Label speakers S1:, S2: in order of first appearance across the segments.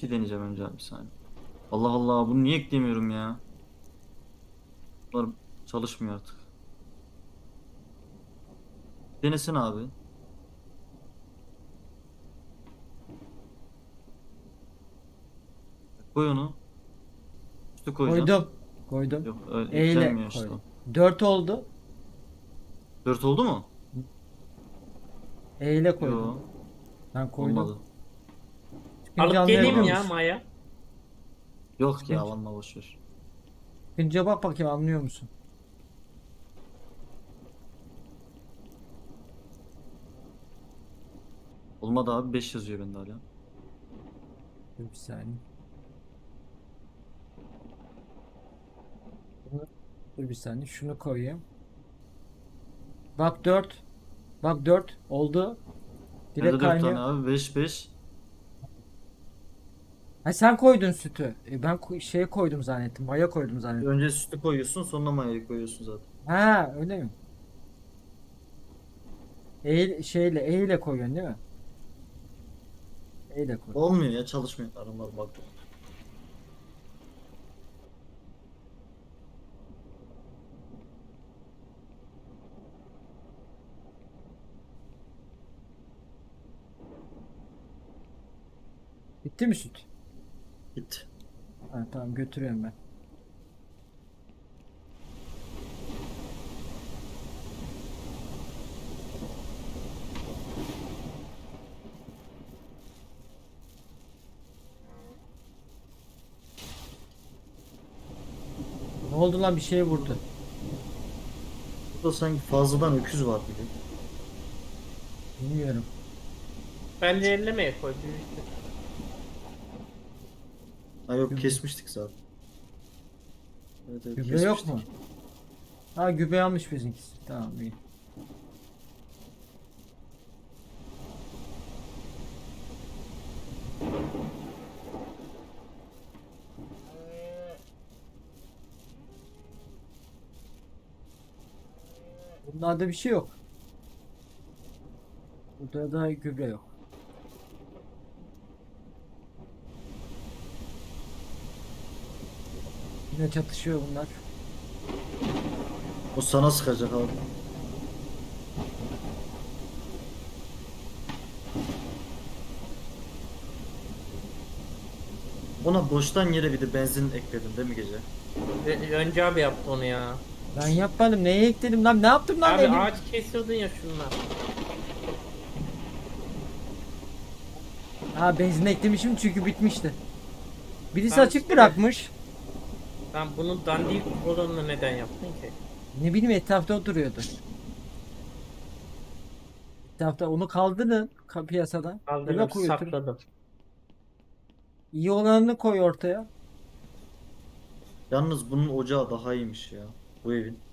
S1: eski deneyeceğim önce abi bir saniye. Allah Allah bunu niye eklemiyorum ya? Bunlar çalışmıyor artık. Denesin abi. Koy onu. Üstü koyacaksın.
S2: Koydum. Koydum.
S1: Yok öyle
S2: E ile
S1: eklenmiyor işte
S2: koydum.
S1: o.
S2: 4 oldu.
S1: 4 oldu mu?
S2: E ile koydum.
S1: Yo,
S2: Ben koydum.
S1: olmadı.
S2: Çıkınca
S3: Alıp geleyim
S2: anlayabiliyor
S3: ya
S2: musun?
S3: Maya.
S1: Yok ya
S2: Çıkınca,
S1: vallahi boşver.
S2: çıkınca bak bakayım anlıyor musun?
S1: Olmadı abi 5 yazıyor bende hala.
S2: Dur bir saniye. Dur bir saniye. Şunu koyayım. Bak 4. Bak 4 oldu. Direkt
S1: Nerede 4 tane
S2: kaynıyor.
S1: abi? 5 5.
S2: Ha sen koydun sütü. Ben şeye koydum zannettim. Maya koydum zannettim.
S1: Önce sütü koyuyorsun sonra mayayı koyuyorsun zaten.
S2: Ha öyle mi? E ile koyuyorsun değil mi? E ile koy.
S1: Olmuyor ya çalışmıyor. Aramaz bak.
S2: Bitti mi süt?
S1: Git.
S2: Ha, tamam götürüyorum ben. Ne oldu lan bir şeye vurdu.
S1: Burada sanki fazladan öküz var gibi.
S2: Bilmiyorum.
S3: Bence ellemeye koy büyüktür.
S1: Ha yok
S2: Gübre,
S1: kesmiştik zaten. Evet evet
S2: gübre yok mu?
S1: kesmiştik.
S2: Ha gübre almış bizimkisi. Tamam iyi. Bunlarda bir şey yok. Burada da gübre yok. Yine çatışıyor bunlar.
S1: O sana sıkacak abi. Ona boştan yere bir de benzin ekledin değil mi gece?
S3: Önce abi yaptı onu ya.
S2: Ben yapmadım. Neye ekledim lan? Ne yaptım lan
S3: Abi
S2: elim?
S3: ağaç kesiyordun ya şunlar.
S2: Ha benzin eklemişim çünkü bitmişti. Birisi
S3: Tamam
S2: açık
S3: işte de.
S2: bırakmış.
S3: Sen bunun dandik olanını neden yaptın ki?
S2: Ne bileyim etrafta o duruyordu. Etrafta onu kaldırın piyasadan. Eve
S3: Kaldırdım
S2: koy götür.
S3: sakladım.
S2: İyi olanını koy ortaya.
S1: Yalnız bunun ocağı daha iyiymiş ya. Bu evin.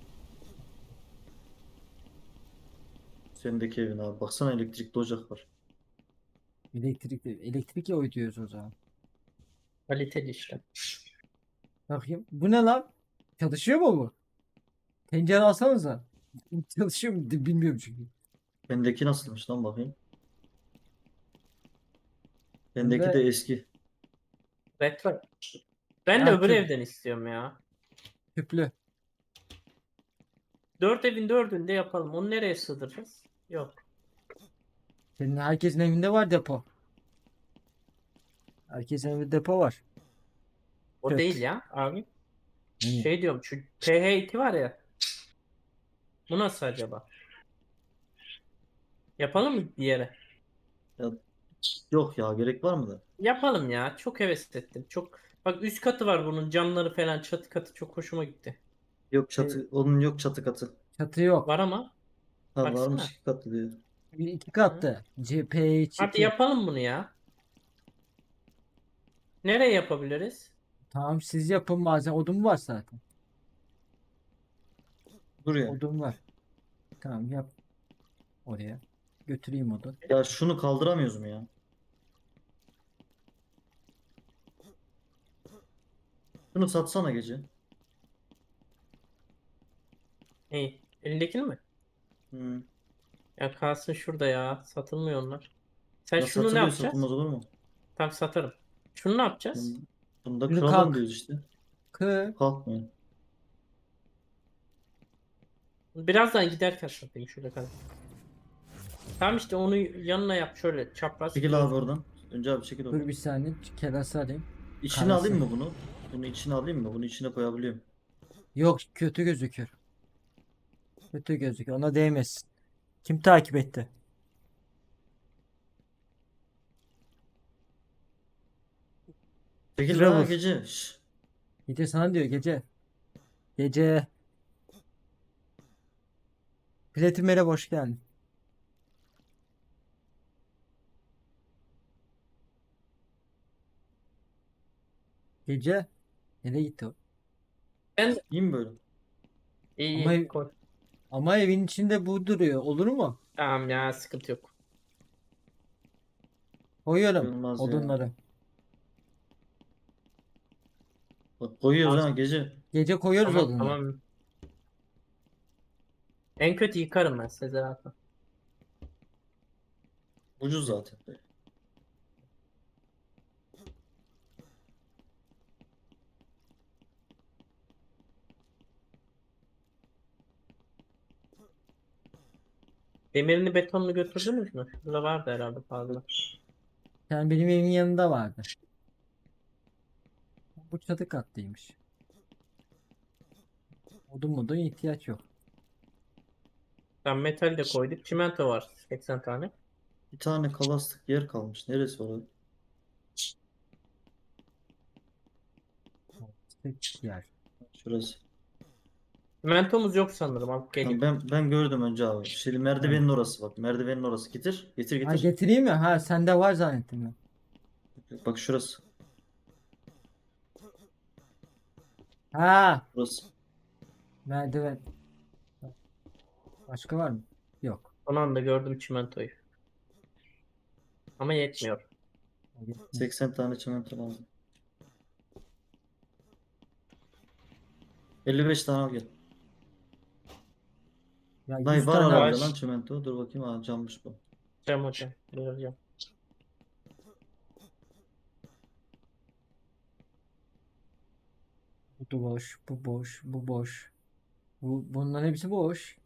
S1: Sendeki evin abi. Baksana elektrikli ocak var.
S2: Elektrik oy diyoruz o zaman.
S3: Kaliteli işte.
S2: Bakayım. Bu ne lan? Çalışıyor mu bu? Tencere alsanıza. Çalışıyor mu? Bilmiyorum çünkü.
S1: Bendeki nasılmış lan bakayım. Bendeki de
S2: Bende
S1: eski.
S3: Retro. Ben de
S2: ha,
S3: öbür evden istiyorum ya.
S2: tüplü.
S3: 4 evin 4'ünde yapalım. Onu nereye sığdıracağız? Yok.
S2: Senin herkesin evinde var depo. Herkesin evinde depo var.
S3: O değil
S2: Evet.
S3: ya abi.
S2: Hı.
S3: Şey diyorum şu PH2 var ya. Bu nasıl acaba? Yapalım mı bir yere?
S1: Ya, yok ya gerek var mı da?
S3: Yapalım ya. Çok heves ettim. Çok bak üst katı var bunun camları falan çatı katı çok hoşuma gitti.
S1: Yok
S2: Şey,
S1: çatı. Onun yok çatı katı.
S2: çatı yok.
S3: Var ama
S1: Ha varmış
S3: baksana.
S1: iki katlı diyor.
S2: Bir iki
S3: Hı.
S2: katlı.
S3: Hadi
S2: CP2.
S3: yapalım bunu ya. Nereye yapabiliriz?
S2: Tamam siz yapın bazen odun var zaten.
S1: Dur ya.
S2: Odun var. Tamam yap oraya. Götüreyim odun.
S1: Ya şunu kaldıramıyoruz mu ya? Şunu satsana gece.
S3: İyi. Elindekini mi?
S1: Hı.
S3: Ya kalsın şurada ya. Satılmıyor onlar. Sen
S1: Ya
S3: şunu ne
S1: satılıyor
S3: yapacaksın?
S1: satılmaz olur mu?
S3: Tam satarım. Şunu ne yapacağız?
S1: Bunda
S2: Şunu
S1: kıralım
S2: kalk.
S1: diyoruz işte.
S2: Kı.
S1: Kalkmıyor.
S3: Birazdan giderken satayım şöyle kadar. Tamam işte onu yanına yap şöyle çapraz
S1: Çekil abi
S3: göz.
S1: oradan. Önce abi çekil
S2: Dur
S1: oradan.
S2: bir saniye. Kerası alayım.
S1: İçine
S2: Karası.
S1: alayım mı bunu? Bunu içine alayım mı? Bunu içine koyabiliyorum.
S2: Yok, kötü gözükür. Kötü gözükür. Ona değmesin. Kim takip etti?
S1: Çekil la
S2: Trevor.
S1: gece. Şş.
S2: Gece sana diyor, gece. Gece. Platin hoş geldin. Gece. Nereye gitti o?
S3: Ben
S1: İyi mi böyle?
S2: Ama
S3: iyi koy.
S2: ama evin içinde bu duruyor. Olur mu?
S3: Tamam ya sıkıntı yok.
S2: Koyuyorum
S1: Olmaz ya.
S2: odunları.
S1: Bak koyuyoruz
S3: Tamam
S1: ha gece.
S2: Gece koyuyoruz
S3: tamam.
S2: odunları.
S3: Tamam. En kötü yıkarım ben Sezer abi.
S1: Ucuz zaten.
S3: Demirini betonunu götürdünüz mü? Şurada vardı herhalde fazla.
S2: Yani benim evimin yanında vardı. Bu çatı katlıymış. Odun ihtiyaç yok.
S3: Tam metal de koyduk. Çimento var 80 tane.
S1: Bir tane kalastık yer kalmış. Neresi var?
S2: Tek yer.
S1: Şurası.
S3: Çimentomuz yok sanırım. Alıp
S1: Tamam,
S3: geleyim.
S1: ben gördüm önce abi. Şimdi
S2: Tamam.
S1: merdivenin orası bak. Merdivenin orası. Getir. Getir
S2: Ha,
S1: getir.
S2: getireyim mi? Ha, sende var zannettim ben.
S1: Bak şurası.
S2: Ha,
S1: Burası.
S2: merdiven. Başka var mı? Yok.
S3: Son anda gördüm çimentoyu. Ama yetmiyor.
S1: 80 tane çimento lazım. 55 tane al gel.
S2: Ya
S1: Dayı
S2: 100
S1: var
S2: tane
S1: herhalde
S2: var.
S1: lan çimento. Dur bakayım. Ha cammış bu.
S3: Cem hocam. Buyuracağım.
S2: Bu boş, bu boş, bu boş. Bunların hepsi boş.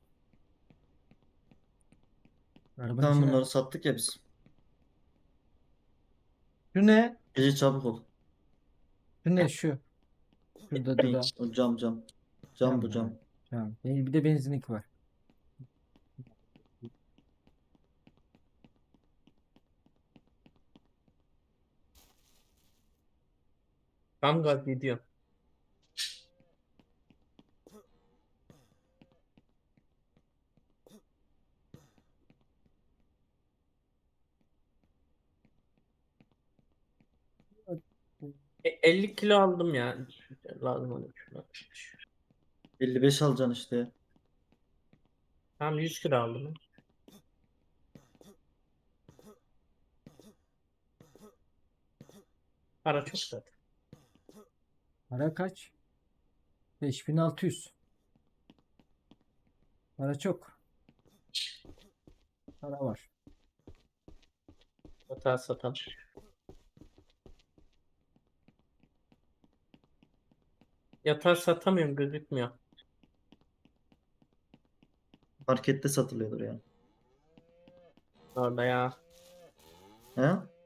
S2: Arabanın
S1: Tamam
S2: içine.
S1: bunları sattık ya biz.
S2: Şu ne?
S1: Gece çabuk ol.
S2: Şu ne şu? Şurada
S1: Ne?
S2: dura.
S1: O cam cam. Cam
S2: Tamam
S1: bu cam.
S2: mı? Tamam. Bir de benzinlik var.
S3: Tam gaz gidiyor.
S2: Bu
S3: 50 kilo aldım ya. Lazım olur şuna.
S1: 55 alacaksın işte.
S3: Tam 100 kilo aldım. Para çok zaten.
S2: Para kaç? 5600. Para çok. Para var.
S3: Hata satan. Yatağı satamıyorum gözükmüyor.
S1: Markette satılıyordur yani.
S3: Orada ya.
S1: He?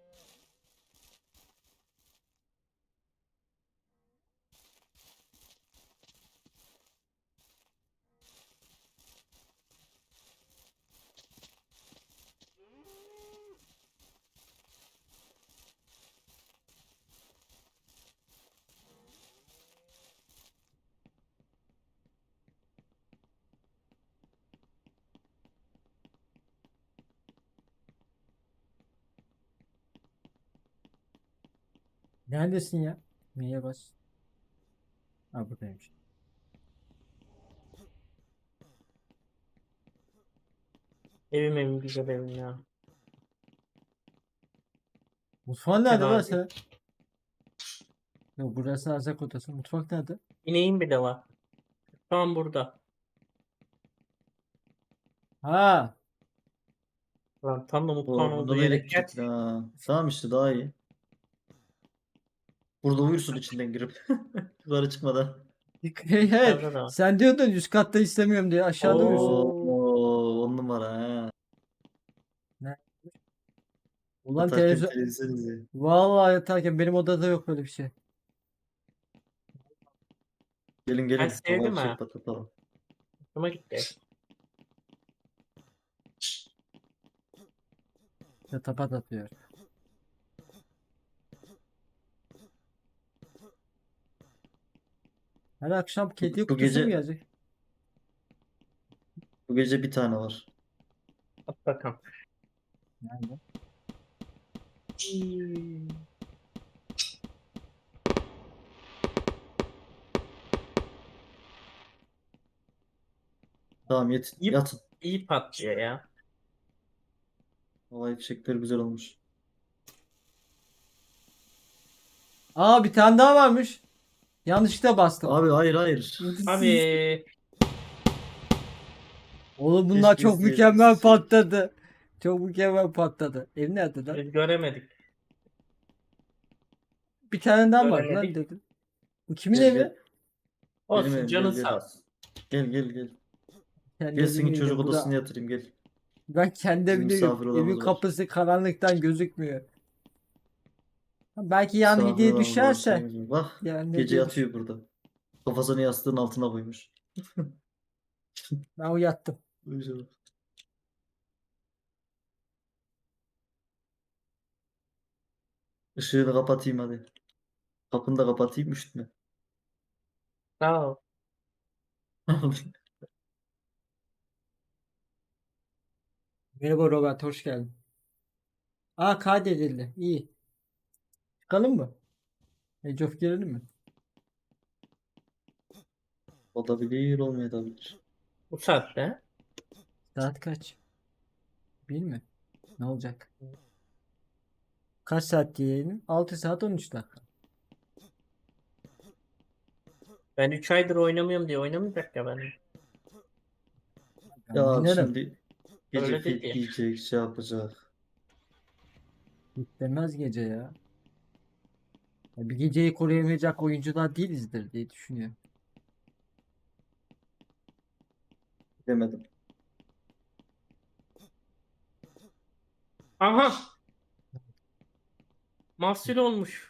S2: Neredesin ya? Neye bas? Ha, buradaymış.
S3: Evim güzel evim ya.
S2: Mutfağın nerede
S3: Fena
S2: lan
S3: değil.
S2: sen? Yok, burası erzak odası. Mutfak nerede?
S3: İneğim bile var. Tam burada.
S2: Ha,
S3: Lan tam da mutfağın
S1: O
S3: olduğu
S1: bunda da
S3: yere gel.
S1: gittik la. Tamam işte daha iyi. Burada uyursun içinden girip. Yukarı çıkmadan.
S2: Evet.
S3: Yukarıda da var.
S2: Sen diyordun üst katta istemiyorum diye aşağıda uyuyorsun.
S3: Oo.
S1: 10 numara ha.
S2: Ne? Ulan
S1: Yatarken
S2: televizyon.
S1: televizyon izliyor.
S2: Vallahi yatarken benim odada yok öyle bir şey.
S1: Gelin
S3: Ben
S1: gelin.
S3: sevdim
S1: Havai
S3: ha.
S1: fişek patlatalım.
S3: Hoşuma gitti.
S2: Tapat atıyor. Her akşam kedi
S1: Bu
S2: kutusu mu
S1: gece
S2: gelecek?
S1: bu gece bir tane var.
S3: At bakalım.
S2: Nerede?
S3: Hmm.
S1: Tamam
S3: İyi,
S1: yatın.
S3: iyi patlıyor ya.
S1: Havai fişekler güzel olmuş.
S2: Aa bir tane daha varmış. Yanlışlıkla bastım.
S1: Abi hayır hayır.
S3: Abi
S2: Oğlum bunlar
S1: Keşke
S2: çok mükemmel
S1: izleyebilseydik.
S2: patladı. Çok mükemmel patladı. Ev nerede lan?
S3: biz göremedik.
S2: Bir tane daha var lan
S3: Göremedik.
S2: dedim. Bu kimin
S1: Gel
S2: evi?
S1: gel. Benim
S3: Olsun
S1: evim
S3: canın
S1: gel
S3: sağ
S1: gel.
S3: olsun.
S1: Gel gel gel.
S2: Kendi
S1: Gel
S2: evimi
S1: seni çocuk
S2: yedim. Bu
S1: odasına
S2: da
S1: yatırayım gel.
S2: ben kendi
S1: Bizim
S2: evimde yiyorum.
S1: misafir
S2: Evin
S1: odamız var.
S2: kapısı karanlıktan gözükmüyor. Belki yan
S1: Misafir
S2: hediye
S1: odamız var
S2: düşerse.
S1: şeyimiz var. Bak
S2: Yani
S1: gece
S2: hediye düş.
S1: yatıyor burada. Kafasını yastığın altına koymuş.
S2: Ben uyattım.
S1: Uyuyor. Işığını kapatayım hadi. Kapını da kapatayım üşütme.
S3: Sağ ol.
S2: Merhaba Robert, hoş geldin. Aa kaydedildi. İyi. Çıkalım mı? Age of girelim mi?
S1: Olabilir olmayabilir.
S3: Bu saatte.
S2: Saat kaç? Bilmiyorum. Ne olacak? Kaç saat diyelim? 6 saat 13 dakika.
S3: Ben 3 aydır oynamıyorum diye oynamayacak ya ben.
S2: Ben
S1: Ya
S2: oynarım.
S1: şimdi gece
S3: Öyle dedi
S1: fit
S3: ya.
S1: giyecek şey yapacak.
S2: Bitmez gece ya. Ya bir geceyi koruyamayacak oyuncular değilizdir diye düşünüyorum.
S1: Demedim.
S3: Aha! Mahsul olmuş.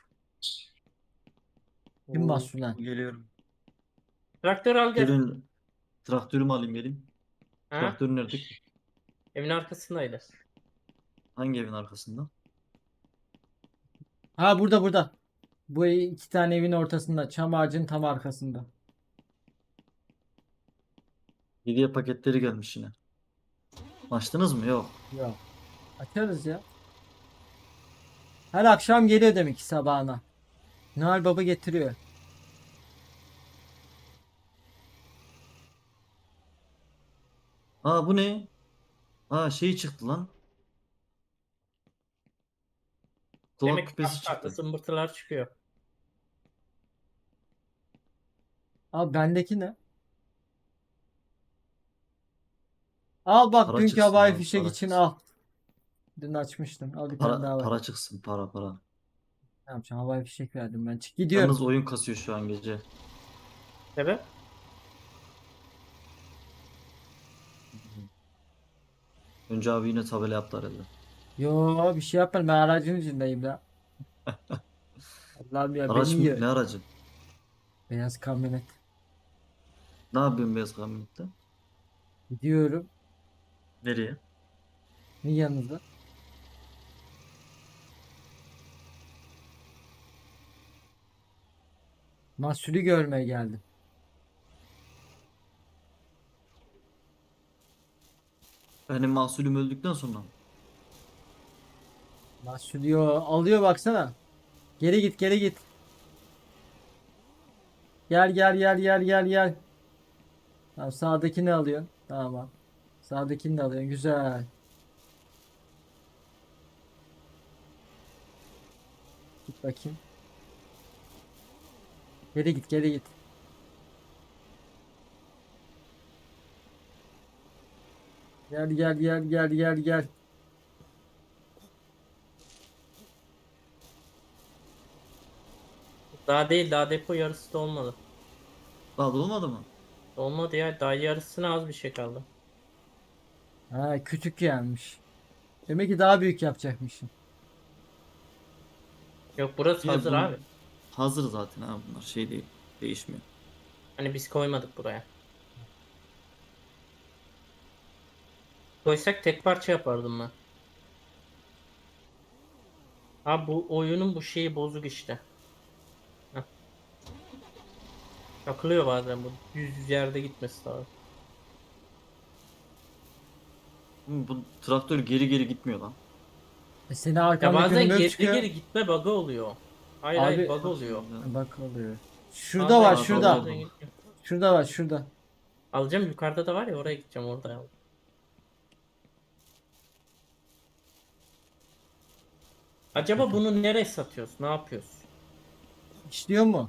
S2: Kim
S3: Oo.
S2: mahsul lan?
S1: Geliyorum.
S3: Traktör al gel.
S1: Gelin traktörümü alayım gelin.
S3: Ha?
S1: Traktör nerede?
S3: Evin arkasındaydı.
S1: Hangi evin arkasında?
S2: Ha burada burada. Bu iki tane evin ortasında. Çam ağacının tam arkasında.
S1: Hediye paketleri gelmiş yine. Açtınız mı? Yok.
S2: Ya. Açarız ya. Her akşam geliyor demek ki sabahına. Noel Baba getiriyor.
S1: Aa bu ne? Aa şey çıktı lan. Kulak
S3: Demek ki
S1: küpesi
S3: farklı
S1: çıktı.
S3: zımbırtılar çıkıyor.
S2: Al bendeki ne? Al bak
S1: Para
S2: dünkü
S1: çıksın
S2: havai
S1: abi
S2: fişek
S1: para
S2: için
S1: çıksın.
S2: al. Dün açmıştım. Al bir tane
S1: Para,
S2: daha var.
S1: para çıksın para para.
S2: Ne yapacağım? Havai fişek verdim ben. Çık gidiyorum.
S1: Yalnız oyun kasıyor şu an gece.
S3: Sebep?
S1: Önce abi yine tabela yaptı herhalde.
S2: Yo bir şey yapmadım. Ben aracın içindeyim ya. Allah'ım ya beni
S1: Araç mı?
S2: yiyor.
S1: Ne aracı?
S2: Beyaz kamyonet.
S1: Ne yapıyorsun beyaz kamyonette?
S2: Gidiyorum.
S1: Nereye?
S2: Ne yanınızda? Mahsulü görmeye geldim.
S1: Benim mahsulüm öldükten sonra mı?
S2: Mahsulü alıyor baksana. Geri git geri git. Gel gel gel gel gel gel. Tamam sağdakini alıyorsun. Tamam. Sağdakini de alıyorsun. Güzel. Git bakayım. Geri git geri git. Gel gel gel gel gel gel.
S3: Daha değil, daha depo yarısı da olmadı.
S1: Daha da olmadı mı?
S3: Olmadı ya, daha yarısına az bir şey kaldı.
S2: Ha, küçük gelmiş. Demek ki daha büyük yapacakmışım.
S3: Yok, burası
S1: Yine
S3: hazır
S1: bu
S3: abi.
S1: hazır zaten ha, bunlar şey değil. Değişmiyor.
S3: Hani biz koymadık buraya. Koysak tek parça yapardım ben. Abi bu oyunun bu şeyi bozuk işte. Heh. Takılıyor bazen bu. Düz yerde gitmesi lazım.
S1: Bu traktör geri geri gitmiyor lan.
S2: Senin
S3: Ya
S2: arkanda
S3: bazen
S2: görünmüyor
S3: geri
S2: çıkıyor.
S3: geri gitme bug'ı oluyor. Hayır hayır,
S2: Abi
S3: bug
S1: Bak
S3: oluyor.
S1: şimdi ya.
S2: bak oluyor. Şurada
S3: Bazen
S2: var
S1: Sağa
S3: gidiyor
S1: sola
S2: şurada.
S3: bazen
S1: yapalım.
S3: gitmiyor.
S2: Şurada var şurada.
S3: Alacağım, yukarıda da var ya, oraya gideceğim, orada al. Acaba bunu nereye satıyoruz? Ne yapıyoruz?
S2: İşliyor mu?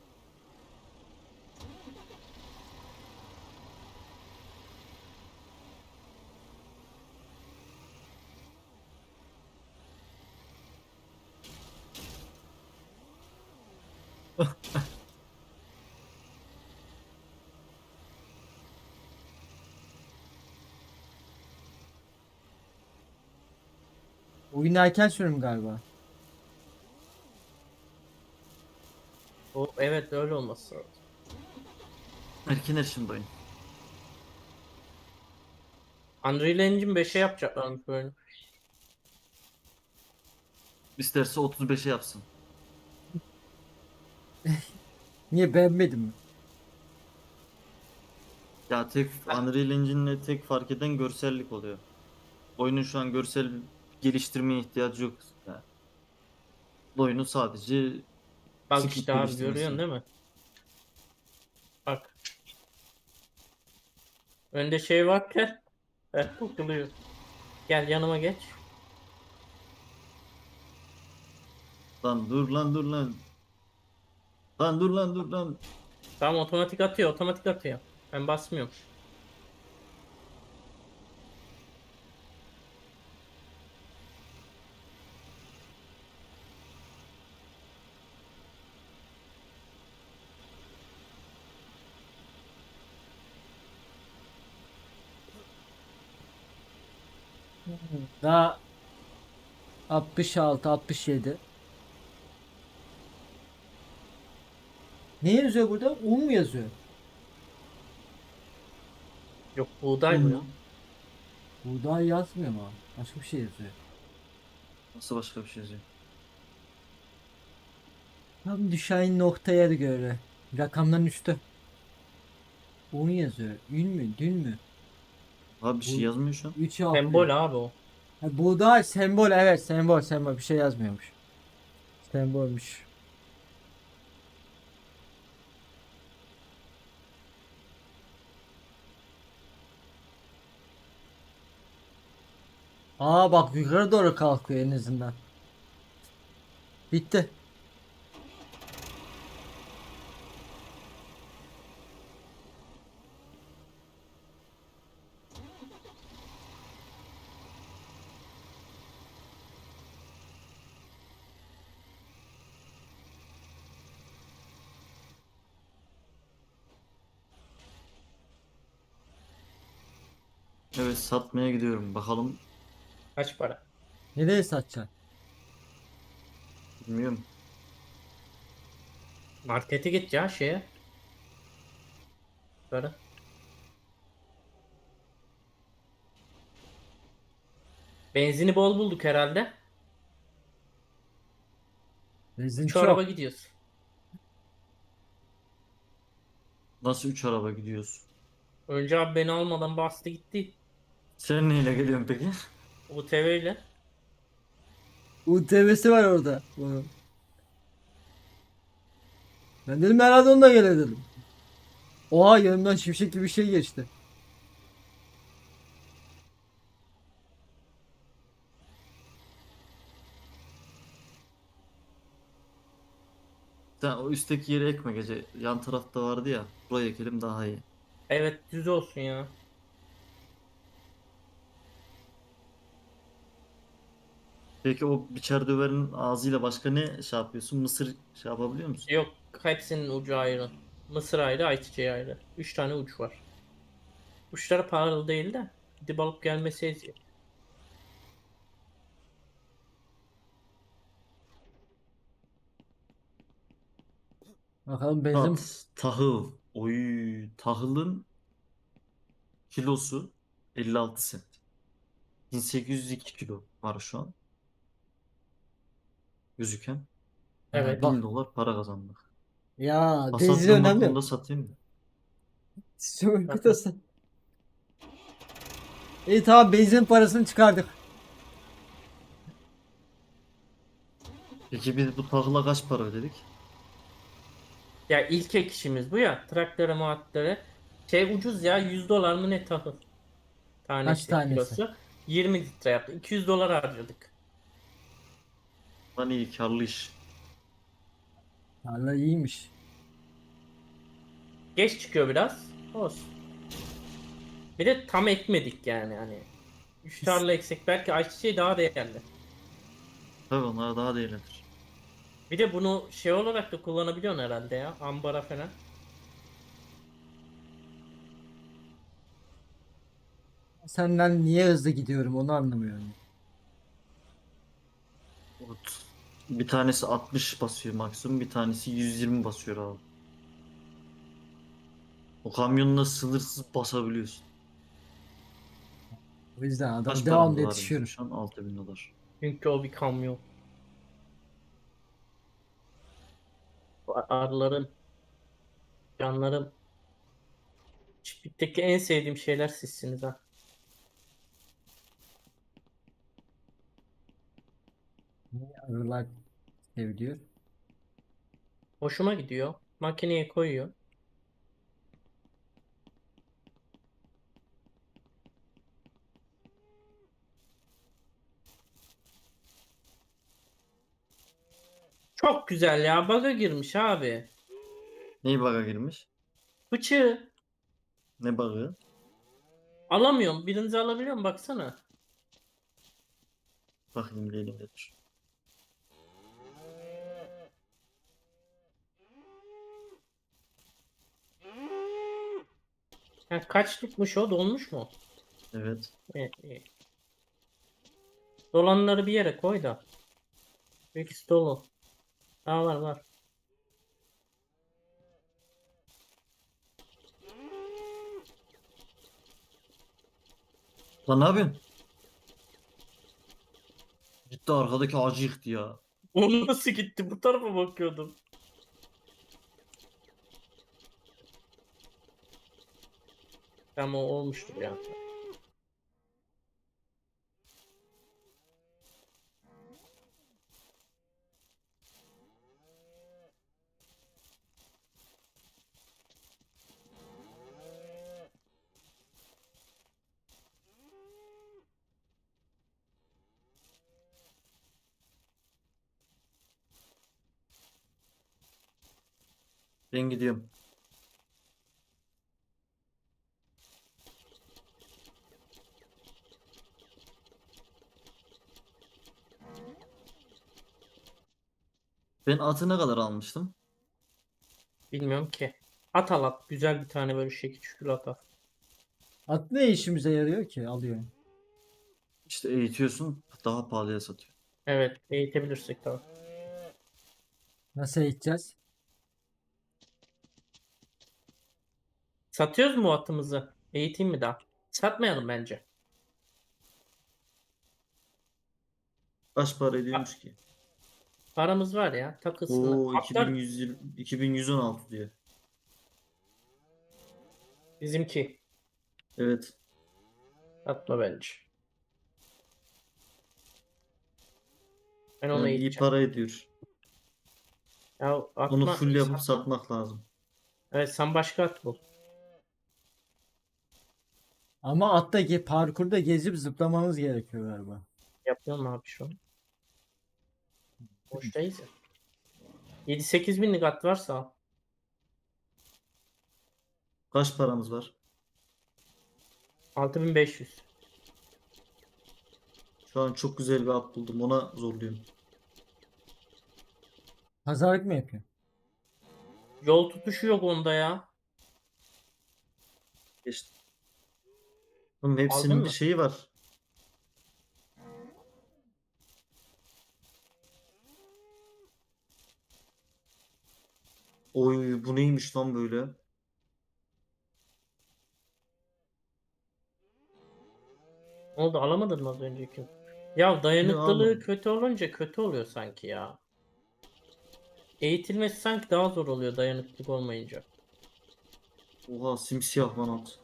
S2: Oyun erken sürüm galiba.
S3: O, evet, öyle olması lazım.
S1: Erken erişim oyun.
S3: Unreal Engine 5'e yapacaklarmış böyle.
S1: İsterse 35'e yapsın.
S2: Niye beğenmedin mi?
S1: Ya tek Unreal Engine'le tek fark eden görsellik oluyor. Oyunun şu an görsel geliştirmeye ihtiyacı yok. Yani oyunu sadece
S3: Bak
S1: script
S3: işte abi, görüyorsun
S1: geliştirmesi.
S3: değil mi? Bak. Önde şey varken takılıyor. Gel yanıma geç.
S1: Lan dur lan dur lan. Lan dur lan dur lan.
S3: Tamam, otomatik atıyor, otomatik atıyor. Ben basmıyorum.
S2: Daha 66 67. Ne yazıyor burada? Un mu yazıyor?
S3: Yok, buğday
S1: Un
S3: bu ya.
S1: mu?
S2: Buğday yazmıyor mu? Başka bir şey yazıyor.
S1: Nasıl başka bir şey yazıyor?
S2: Tam düşen noktaya göre. Rakamların üstü. Un yazıyor. Ün mü? Dün mü?
S1: Abi bir şey
S2: Bu
S1: yazmıyor şu an.
S2: 3
S3: Sembol
S2: harfli.
S3: abi o.
S2: Ha, buğday sembol, evet, sembol sembol bir şey yazmıyormuş. Sembolmüş. Aa bak, yukarı doğru kalkıyor en azından. Bitti.
S1: Evet, satmaya gidiyorum. Bakalım,
S3: Kaç para?
S2: Nereye satacaksın?
S1: bilmiyorum.
S3: Markete git ya, şeye. Böyle. Benzini bol bulduk herhalde.
S2: Benzin
S3: Şu araba
S2: çok.
S3: gidiyoruz.
S1: Nasıl 3 araba gidiyoruz?
S3: Önce abi beni almadan bastı gitti.
S1: Sen neyle geliyorsun peki?
S3: UTV ile.
S2: UTV'si var orada. Bunun. Ben dedim herhalde onunla gele dedim. Oha, yanımdan şimşek gibi bir şey geçti.
S1: Sen o üstteki yere ekme gece. Yan tarafta vardı ya. Buraya ekelim daha iyi.
S3: Evet, düz olsun ya.
S1: Peki o biçer döverin ağzıyla başka ne şey yapıyorsun? Mısır şey yapabiliyor musun?
S3: Yok, hepsinin ucu ayrı. Mısır ayrı, ayçiçeği ayrı. 3 tane uç var. Uçları pahalı değil de gidip alıp gelmesi eziyet.
S2: Bakalım benzin.
S1: Tahıl. Oy, tahılın kilosu 56 sent. 1802 kilo var şu an gözüken.
S2: Ha,
S3: Evet.
S1: Bin
S2: bak.
S1: dolar para kazandık.
S2: Ya benzin
S1: Hasattığım
S2: önemli.
S1: vakumda satayım mı?
S2: Sömürge. İyi tamam, benzin parasını çıkardık.
S1: Peki biz bu tahıla kaç para ödedik?
S3: Ya ilk ek işimiz bu ya. Traktöre muhattere. Şey ucuz ya, 100 dolar mı ne tahıl
S2: Kaç
S3: tanesi
S2: tanesi?
S3: kilosu. 20 litre yaptı. 200 dolar harcadık.
S1: Lan iyi karlı iş.
S2: Valla iyiymiş.
S3: Geç çıkıyor biraz. Olsun. Bir de tam ekmedik yani hani. 3 tarla eksik, belki ayçiçeği daha değerli.
S1: Tabii onlar daha değerlidir.
S3: Bir de bunu şey olarak da kullanabiliyorsun herhalde ya. Ambara falan.
S2: Senden niye hızlı gidiyorum onu anlamıyorum.
S1: Bir tanesi 60 basıyor maksimum, bir tanesi 120 basıyor abi. O kamyonla sınırsız basabiliyorsun.
S2: O yüzden adam
S1: Kaç
S2: devamlı
S1: paramız var bizim
S2: yetişiyorum.
S1: şu an? 6.000 dolar.
S3: Çünkü o bir kamyon. Arılarım, canlarım. Çiftlikteki en sevdiğim şeyler sizsiniz ha.
S2: Niye arılar seviliyor?
S3: Hoşuma gidiyor. Makineye koyuyor. Çok güzel ya. Bug'a girmiş abi.
S1: Ney bug'a girmiş?
S3: Bıçağı
S1: Ne bug'ı?
S3: alamıyorum. Birinizi alabiliyor mu? Baksana.
S1: Bakayım bir elimde dur.
S3: Ha, kaçlıkmış o? Dolmuş mu?
S1: Evet.
S3: Evet, iyi. Dolanları bir yere koy da. İkisi dolu. Daha var var.
S1: Lan ne yapıyorsun? Gitti arkadaki ağacı yıktı ya.
S3: O nasıl gitti? Bu tarafa bakıyordum. Ama o olmuştur ya.
S1: Ben gidiyorum. Ben atı ne kadar almıştım?
S3: Bilmiyorum ki. At al at. Güzel bir tane böyle şekil şükür at al.
S2: At ne işimize yarıyor ki? Alıyor.
S1: İşte eğitiyorsun, daha pahalıya satıyor.
S3: Evet. Eğitebilirsek tabii.
S2: Nasıl eğiteceğiz?
S3: Satıyoruz mu atımızı? Eğiteyim mi daha? Satmayalım bence.
S1: Kaç para
S3: Pa-
S1: ediyormuş ki?
S3: Paramız var ya. Takılsın.
S1: Oo,
S3: Atlar
S1: 2120, 2116 diyor.
S3: bizimki.
S1: Evet.
S3: Atma bence. Ben onu
S1: Yani iyi
S3: eğiteceğim.
S1: para ediyor.
S3: Ya
S1: Onu
S3: atma
S1: full yapıp
S3: satma.
S1: satmak lazım.
S3: Evet, sen başka at bul.
S2: Ama atta parkurda gezip zıplamamız gerekiyor galiba.
S3: Yapıyorum abi şu an. Boştayız ya. 7-8 binlik at varsa al.
S1: Kaç paramız var?
S3: 6500.
S1: Şu an çok güzel bir at buldum. Ona zorluyorum.
S2: Pazarlık mı yapıyor?
S3: Yol tutuşu yok onda ya.
S1: Geçtim. Oğlum
S3: Aldın
S1: hepsinin bir
S3: mı?
S1: şeyi var. Oy bu neymiş lan böyle?
S3: Ne oldu, alamadın mı az önceki? Ya
S1: Ne
S3: dayanıklılığı
S1: aldım?
S3: kötü olunca kötü oluyor sanki ya. Eğitilmesi sanki daha zor oluyor dayanıklık olmayınca.
S1: Oha simsiyah lan at.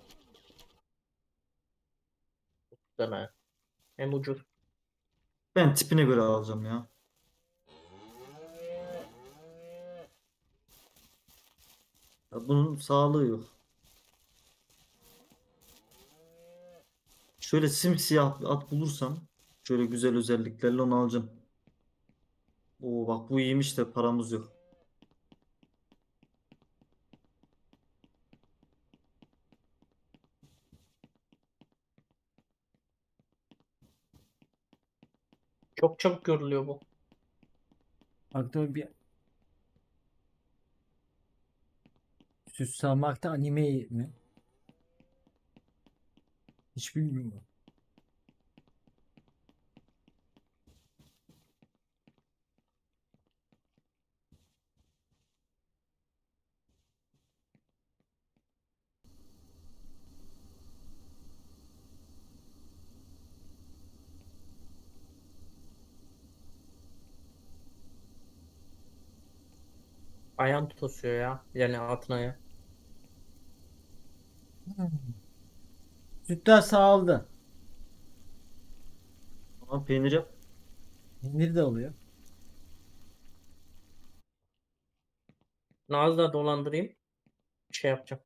S3: Deme. Hem ucuz.
S1: Ben tipine göre alacağım ya. Ya bunun sağlığı yok. Şöyle simsiyah bir at bulursam şöyle güzel özelliklerle onu alacağım. Oo bak bu iyiymiş de paramız yok.
S3: Çok çabuk görülüyor bu.
S2: Aklıma bir süs salmakta anime mi? Hiç bilmiyorum.
S3: Ayağım tosuyor ya. Yani altına ya.
S2: Sütler sağladı.
S1: Ama peynir yap.
S2: Peynir de oluyor.
S3: Naz'la dolandırayım. Şey yapacağım.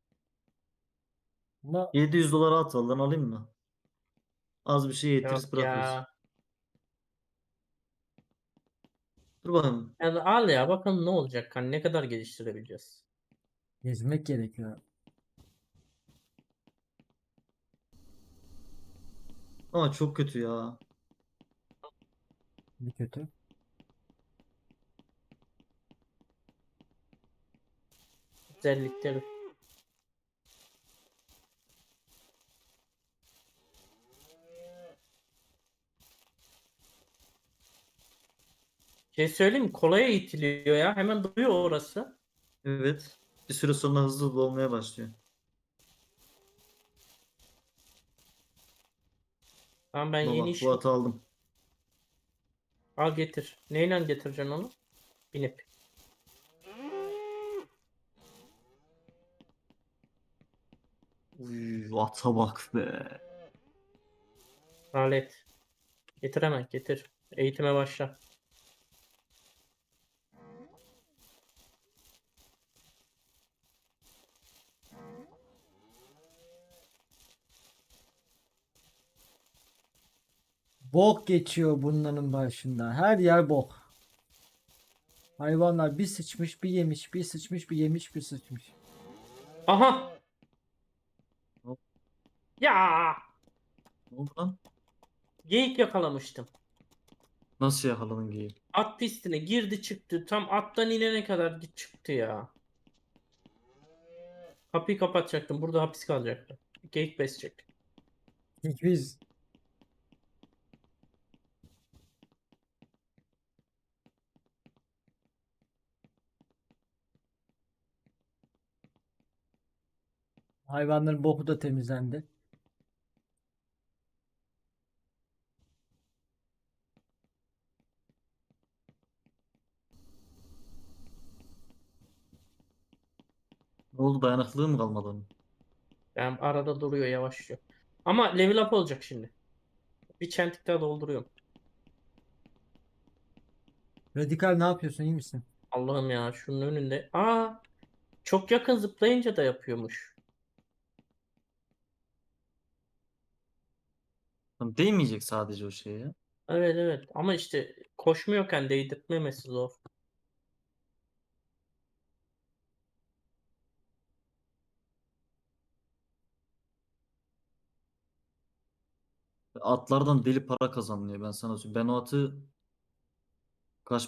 S2: Ama
S1: 700 dolara at al lan alayım mı? Az bir şey getiririz
S3: Yok
S1: bırakırız.
S3: ya.
S1: Dur bakayım.
S3: Yani al ya, bakalım ne olacak. Hani ne kadar geliştirebileceğiz.
S2: gezmek gerekiyor.
S1: Ama çok kötü ya.
S2: Bir kötü.
S3: Özellikleri. Şey söyleyeyim mi? Kolaya itiliyor ya. Hemen duruyor orası.
S1: Evet. Bir süre sonra hızlı dolmaya başlıyor.
S3: Tamam, ben
S1: Ama
S3: yeni
S1: bak
S3: iş
S1: bu atı aldım.
S3: al getir. Neyle getireceksin onu? Binip.
S1: Uy, ata bak be.
S3: Alet. Getir hemen getir. Eğitime başla.
S2: Bok geçiyor bunların başında. Her yer bok. Hayvanlar bir sıçmış, bir yemiş, bir sıçmış, bir yemiş, bir sıçmış.
S3: Aha!
S1: Ne
S3: Ya!
S1: oldu lan?
S3: Geyik yakalamıştım.
S1: Nasıl yakaladın geyiği?
S3: At pistine girdi çıktı. Tam attan inene kadar çıktı ya. Kapıyı kapatacaktım. Burada hapis kalacaktı. Geyik besecek.
S2: İlk biz hayvanların boku da temizlendi.
S1: Ne oldu dayanıklılığı mı kalmadı onun?
S3: Yani arada duruyor, yavaşlıyor. Ama level up olacak şimdi. Bir çentik daha dolduruyorum.
S2: Radikal ne yapıyorsun? İyi misin?
S3: Allah'ım ya, şunun önünde. Aa, çok yakın zıplayınca da yapıyormuş.
S1: Lan değmeyecek sadece o şeye ya.
S3: Evet evet, ama işte koşmuyorken değdirtmemesi zor.
S1: atlardan deli para kazanılıyor ben sana söyleyeyim. Ben o atı